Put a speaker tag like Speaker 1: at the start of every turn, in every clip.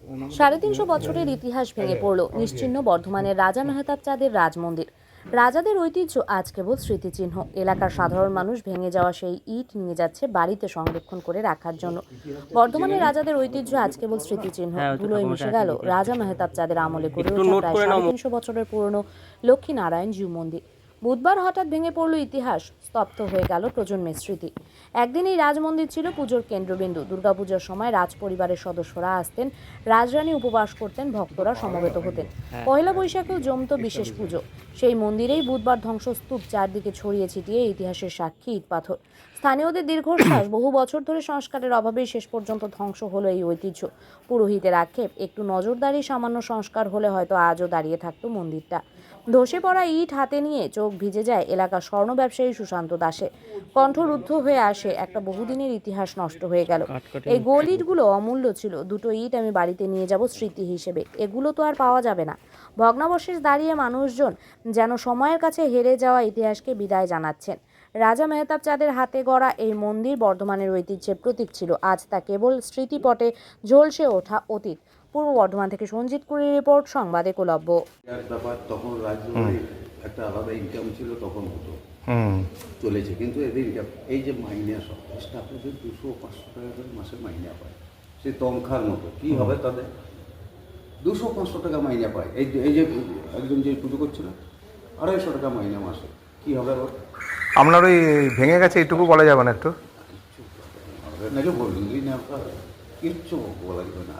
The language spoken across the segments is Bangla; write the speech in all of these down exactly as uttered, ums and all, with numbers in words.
Speaker 1: সাড়ে তিনশো বছরের ইতিহাস ভেঙে পড়ল নিশ্চিহ্ন বর্ধমানের রাজা মেহতাব চাঁদের রাজমন্দির। রাজাদের ঐতিহ্য আজ কেবল স্মৃতিচিহ্ন। এলাকার সাধারণ মানুষ ভেঙে যাওয়া সেই ইট নিয়ে যাচ্ছে বাড়িতে সংরক্ষণ করে রাখার জন্য। বর্ধমানের রাজাদের ঐতিহ্য আজ কেবল স্মৃতিচিহ্ন। ধুলোয় মিশে গেল রাজা মেহতাব চাঁদের আমলে গড়ে ওঠা প্রায় সাড়ে তিনশো বছরের পুরনো লক্ষ্মীনারায়ণ জিউ মন্দির। বুধবার হঠাৎ ভেঙে পড়ল ইতিহাস, স্তব্ধ হয়ে গেল প্রজন্মের স্মৃতি। একদিন এই রাজমন্দির ছিল পুজোর কেন্দ্রবিন্দু। দুর্গাপুজোর সময় রাজ পরিবারের সদস্যরা আসতেন, রাজরানী উপবাস করতেন, ভক্তরা সমবেত হতেন। পয়লা বৈশাখেও জমত বিশেষ পুজো। সেই মন্দিরেই বুধবার ধ্বংসস্তূপ, চারদিকে ছড়িয়ে ছিটিয়ে ইতিহাসের সাক্ষী ইট পাথর। স্থানীয়দের দীর্ঘশ্বাস, বহু বছর ধরে সংস্কারের অভাবেই শেষ পর্যন্ত ধ্বংস হলো এই ঐতিহ্য। পুরোহিতের আক্ষেপ, একটু নজরদারি, সামান্য সংস্কার হলে হয়তো আজও দাঁড়িয়ে থাকতো মন্দিরটা। ধসে পড়া ইট হাতে নিয়ে চোখ ভিজে যায় এলাকার স্বর্ণ ব্যবসায়ী সুশান্ত দাসে। কণ্ঠরুদ্ধ হয়ে আসে, একটা বহুদিনের ইতিহাস নষ্ট হয়ে গেল। এই গোল ইটগুলো অমূল্য ছিল। দুটো ইট আমি বাড়িতে নিয়ে যাব স্মৃতি হিসেবে। এগুলো তো আর পাওয়া যাবে না। ভগ্নাবশেষ দাঁড়িয়ে মানুষজন যেন সময়ের কাছে হেরে যাওয়া ইতিহাসকে বিদায় জানাচ্ছেন। রাজা মেহতাব চাঁদের হাতে গড়া এই মন্দির বর্ধমানের ঐতিহ্যের প্রতীক ছিল। আজ তা কেবল স্মৃতিপটে ঝলসে ওঠা অতীত। পূর্ব বর্ধমান থেকে সঞ্জিত কুড়ির রিপোর্ট, সংবাদ একলব্য।
Speaker 2: ব্যাপার তখন রাজ্যের একটা আলাদা ইনকাম ছিল, তখন হতো চলেছে, কিন্তু এদের ইনকাম এই যে মাইনে সব স্টাফেদের দুশো পাঁচশো টাকা করে মাসে মাইনে পায়, সে তনখার মতো। কী হবে তাদের? দুশো পাঁচশো টাকা মাইনে পায়। এই এই যে একজন যে পুজো করছিল, আড়াইশো টাকা মাইনে মাসে। কী হবে আবার?
Speaker 3: আপনার ওই ভেঙে গেছে এইটুকু বলা যাবে না? একটু
Speaker 2: কিচ্ছু নাকি বললি না, কিচ্ছু বলা যাবে না।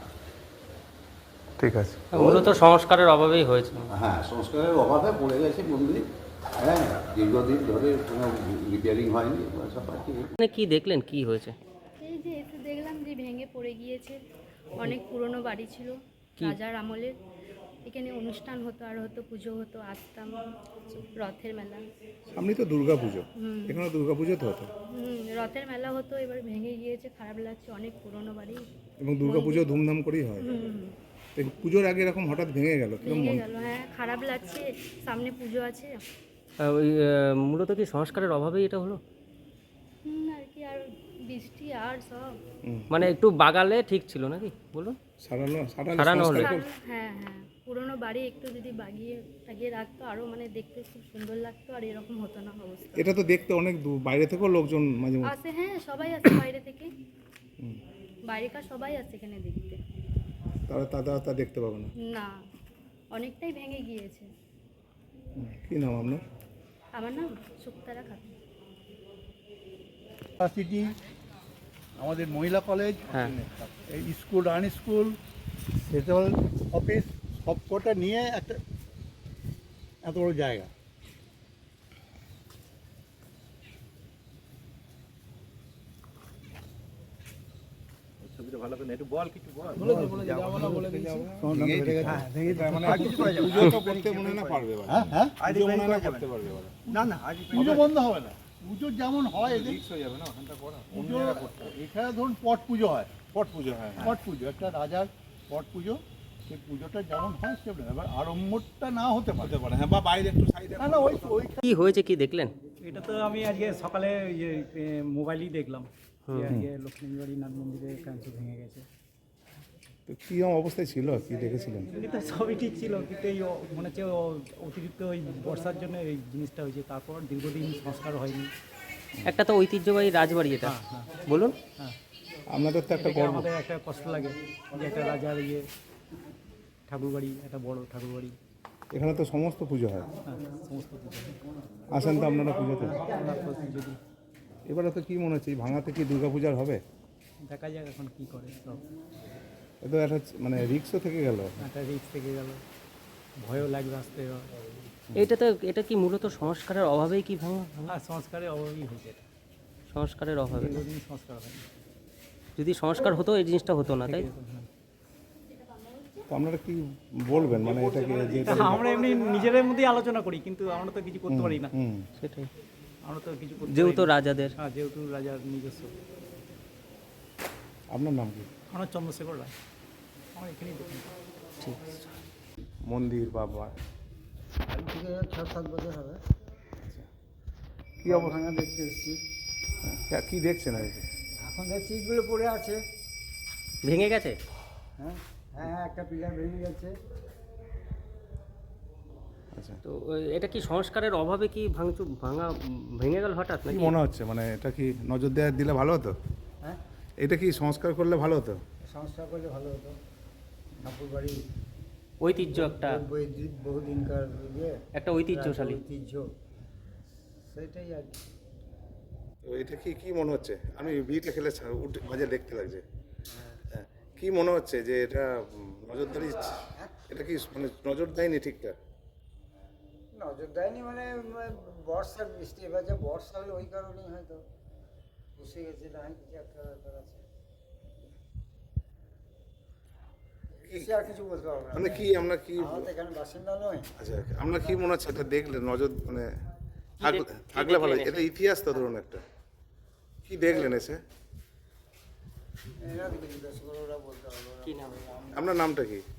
Speaker 3: ঠিক আছে,
Speaker 4: মূলত সংস্কারের অভাবেই হয়েছে।
Speaker 2: হ্যাঁ, সংস্কারের অভাবে পড়ে গেছে মন্দির। হ্যাঁ, দীর্ঘদিন ধরে কোনো রিপেয়ারিং হয়নি।
Speaker 4: মানে কি দেখলেন, কি হয়েছে?
Speaker 5: এই যে এসে দেখলাম যে ভেঙে পড়ে গিয়েছে। অনেক পুরনো বাড়ি ছিল রাজার আমলের। এখানে অনুষ্ঠান হতো, আর হতো পুজো হতো, আসতাম। রথের মেলা,
Speaker 3: সামনে তো দুর্গা পুজো, এখানে দুর্গা পুজো তো হতো।
Speaker 5: হুম রথের মেলা হতো, এবার ভেঙে গিয়েছে, খারাপ লাগছে। অনেক পুরনো বাড়ি
Speaker 3: এবং দুর্গা পুজো ধুমধাম করেই হয়।
Speaker 5: হুম
Speaker 3: পুজোর আগে এরকম হঠাৎ ভেঙে গেল,
Speaker 5: ভেঙে গেল। হ্যাঁ, খারাপ লাগছে, সামনে পুজো আছে।
Speaker 4: আহ, ওই আহ, মূলত কি সংস্কারের অভাবেই এটা হলো?
Speaker 5: হুম আর কি, আর বৃষ্টি আর সব।
Speaker 4: মানে একটু বাগালে ঠিক ছিল নাকি বলুন?
Speaker 3: সারানো
Speaker 4: সারানো হলো।
Speaker 5: হ্যাঁ হ্যাঁ, পুরনো বাড়ি একটু যদি বাগিয়ে টাগিয়ে রাখতো, আরও মানে দেখতে খুব সুন্দর লাগতো, আর এরকম হতো না অবস্থা।
Speaker 3: এটা তো দেখতে অনেক দূর, বাইরে থেকেও লোকজন মাঝে মাঝে
Speaker 5: আসে। হ্যাঁ, সবাই আসে বাইরে থেকে, বাইরেকার সবাই আসে এখানে দেখতে।
Speaker 3: তারা তারা তা দেখতে পাবে না।
Speaker 5: না, অনেকটাই ভেঙে গিয়েছে।
Speaker 3: কি নাম আপনার?
Speaker 5: আমার নাম সুক্তারা খাতুন।
Speaker 6: সিটি, আমাদের মহিলা কলেজ,
Speaker 4: হ্যাঁ,
Speaker 6: এই স্কুল, রান স্কুল, সেন্ট্রাল অফিস, সব কটা নিয়ে একটা এত বড় জায়গা। না না, পুজো বন্ধ হবে না। পুজো যেমন হয় পুজো, এখানে ধরুন পট পুজো হয়। পট পুজো হয় পট পুজো একটা রাজার পট পুজো, সেই পুজোটা যেমন হয় সেমন। এবার আড়ম্বরটা না হতে পারে পারে হ্যাঁ, বা বাইরে একটু সাইডে। না না, ওই ওই
Speaker 4: কি হয়েছে, কি দেখলেন?
Speaker 7: এটা তো আমি আজকে সকালে ইয়ে মোবাইলেই দেখলাম যে আজকে লক্ষ্মীবাড়ি নাথ মন্দিরে কাঁচ ভেঙে গেছে।
Speaker 3: তো কী অবস্থায় ছিল, কি দেখেছিলেন?
Speaker 7: এমনি তো সবই ঠিক ছিল, কিন্তু এই অ- মনে হচ্ছে ও- অতিরিক্ত ওই বর্ষার জন্য এই জিনিসটা হয়েছে। তারপর দীর্ঘদিন সংস্কার হয়নি।
Speaker 4: একটা তো ঐতিহ্যবাহী রাজবাড়ি এটা,
Speaker 7: হ্যাঁ হ্যাঁ
Speaker 4: বলুন।
Speaker 7: হ্যাঁ,
Speaker 3: আপনাদের তো একটা
Speaker 7: এটাকে
Speaker 3: গর্ব।
Speaker 7: আমাদের একটা কষ্ট লাগে যে একটা রাজার ইয়ে ঠাকুরবাড়ি, একটা বড় ঠাকুরবাড়ি।
Speaker 3: এখানে তো সমস্ত পুজো হয়,
Speaker 7: হ্যাঁ, সমস্ত কিছু
Speaker 3: আসেন তো আপনারা পুজোতে?
Speaker 7: আমরা তো যদি
Speaker 3: এবারে তো কি মনে হচ্ছে, এই ভাঙাতে কি দুর্গা পূজার হবে?
Speaker 7: দেখা যাক এখন কী করে। সব
Speaker 3: এ তো একটা মানে রিক্সও থেকে গেল।
Speaker 7: একটা রিস্ক থেকে গেল, ভয়ও লাগবে আসতে।
Speaker 4: এটা তো এটা কি মূলত সংস্কারের অভাবেই কি ভাঙা?
Speaker 7: আর সংস্কারের অভাবই হয়েছে, এটা
Speaker 4: সংস্কারের অভাবে।
Speaker 7: দীর্ঘদিন সংস্কার হয়নি।
Speaker 4: যদি সংস্কার হতো এই জিনিসটা হতো না, তাই?
Speaker 3: তো আপনারা কি বলবেন, মানে এটাকে যে
Speaker 7: তা আমরা এমনি নিজেদের মধ্যেই আলোচনা করি, কিন্তু আমরা তো কিছু করতে পারি না।
Speaker 3: হুম,
Speaker 4: সেটাই,
Speaker 7: আমরা তো কিছু করতে
Speaker 4: যেহেতু
Speaker 7: পারি না।
Speaker 4: রাজাদের।
Speaker 7: হ্যাঁ, যেহেতু রাজার নিজস্ব।
Speaker 3: আপনার নাম কি?
Speaker 7: আমার চন্দ্রশেখর রায়, আমার এখানেই দোকান।
Speaker 4: ঠিক আছে।
Speaker 3: মন্দির বাবা
Speaker 8: আজ থেকে ছ সাত বছর হবে।
Speaker 3: কি অবস্থা
Speaker 8: ভাঙা দেখতে এসেছি।
Speaker 3: কি দেখছেন আর কি?
Speaker 8: এখন দেখছি ইটগুলো পড়ে আছে।
Speaker 4: ভেঙে গেছে?
Speaker 8: হ্যাঁ, হ্যাঁ হ্যাঁ একটা পিলার ভেঙে গেছে।
Speaker 3: আচ্ছা,
Speaker 4: তো এ- এটা কি সংস্কারের অভাবে কি ভাঙচুর ভাঙা উম, ভেঙে গেল হঠাৎ
Speaker 3: কি
Speaker 4: নাকি?
Speaker 3: মনে হচ্ছে মানে এটা কি নজর দেওয়া দিলে ভালো হতো?
Speaker 8: হ্যাঁ
Speaker 3: এটা কি সংস্কার করলে ভালো হতো?
Speaker 8: সংস্কার করলে ভালো হতো। ঠাকুর বাড়ি
Speaker 4: ঐতিহ্য একটা
Speaker 8: বহুদিনকার ইয়ে
Speaker 4: একটা ঐতিহ্যশালী।
Speaker 8: ঐতিহ্য, সেটাই আর কি।
Speaker 3: তো এটা কি কি মনে হচ্ছে? আমি বিটে খেলে ছা- উঠে মাঝে দেখতে লাগছে। হ্যাঁ, কি মনে হচ্ছে যে এটা উম, নজরদারি এটা কি মানে নজর দেয়নি ঠিকঠাক?
Speaker 8: নজর দেয়নি মানে উম, বর্ষার বৃষ্টি, এবার যে বর্ষা হলো ওই কারণেই হয়তো বসে গেছে, না হয় কিছু একটা ব্যাপার আছে। বেশি আর কিছু বলতে পারবো না।
Speaker 3: মানে কি আমরা কি
Speaker 8: আমরা তো এখানে বাসিন্দা নয়।
Speaker 3: আচ্ছা আমরা কি মনে হচ্ছে এটা দেখলে নজর মানে থাক-
Speaker 4: দেখ- কি
Speaker 3: থাকলে ভালো,
Speaker 4: দেখলেন
Speaker 3: এটা ইতিহাস তো ধরুন একটা, কি দেখলেন এসে?
Speaker 8: এনাদেরকে জিজ্ঞাসা করে ওরা বলতে পারবো।
Speaker 4: কি নাম?
Speaker 3: আপনার নামটা কি?